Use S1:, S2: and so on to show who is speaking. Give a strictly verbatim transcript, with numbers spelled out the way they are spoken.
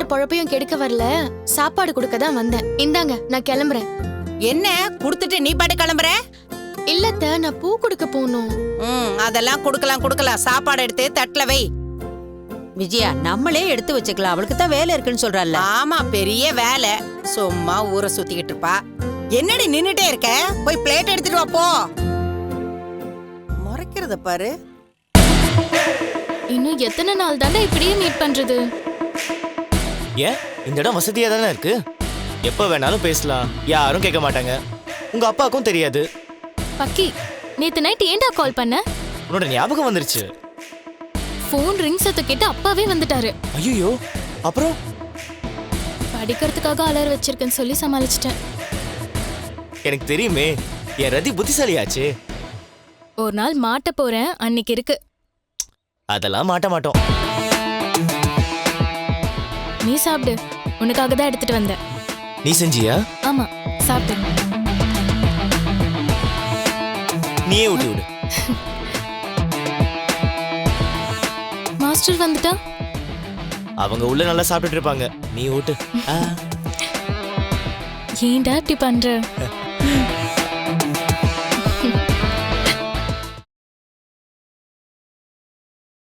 S1: மாமியார் பொழப்பையும் கெடுக்க வரல, சாப்பாடு கொடுக்க தான் வந்தேன். இந்தாங்க, நான் கிளம்புறேன்.
S2: என்ன குடுத்துட்டு நீ பாட்டு கிளம்புற?
S1: இல்லத்த, நான் பூ கொடுக்க போகணும்.
S2: ம் அதெல்லாம் கொடுக்கலாம் கொடுக்கலாம். சாப்பாடு எடுத்து தட்டுல வை.
S3: விஜயா, நம்மளே எடுத்து வச்சுக்கலாம். அவளுக்கு தான் வேலை இருக்குன்னு சொல்றாள்.
S2: ஆமா, பெரிய வேலை. சும்மா ஊரை சுத்திக்கிட்டு இருப்பா. என்னடி நின்னுட்டே இருக்க? போய் பிளேட் எடுத்துட்டு வா போ. முறைக்கிறத பாரு.
S1: இன்னும் எத்தனை நாள் தாண்டா இப்படியே மீட் பண்றது?
S4: ஏன், இந்த இடம் வசதியா தானே இருக்கு. எப்ப வேணாலும் பேசலாம், யாரும் கேட்க மாட்டாங்க. உங்க அப்பாவுக்கும் தெரியாது.
S1: பக்கி, நேத்து நைட் ஏன்டா கால் பண்ண?
S4: உன்னோட ஞாபகம் வந்துருச்சு.
S1: போன் ரிங் சத்த கேட்டு அப்பாவே வந்துட்டாரு.
S4: ஐயோ, அப்புறம்
S1: படிக்கிறதுக்காக அலர் வச்சிருக்கேன்னு சொல்லி சமாளிச்சிட்டேன்.
S4: எனக்கு தெரியுமே, என் ரதி புத்திசாலியாச்சு.
S1: ஒரு நாள் மாட்ட போறேன், அன்னைக்கு இருக்கு.
S4: அதெல்லாம் மாட்ட மாட்டோம்.
S1: நீ சாப்பிடு, உனக்காக தான் எடுத்துட்டு வந்தேன்.
S4: நீ செஞ்சியா?
S1: ஆமா, சாப்பிடு.
S4: நீயே ஊட்டி விடு.
S1: மாஸ்டர் வந்துட்டா?
S4: அவங்க உள்ள நல்லா சாப்பிட்டுட்டு இருப்பாங்க, நீ ஊட்டு.
S1: ஏன்டா இப்படி பண்ற?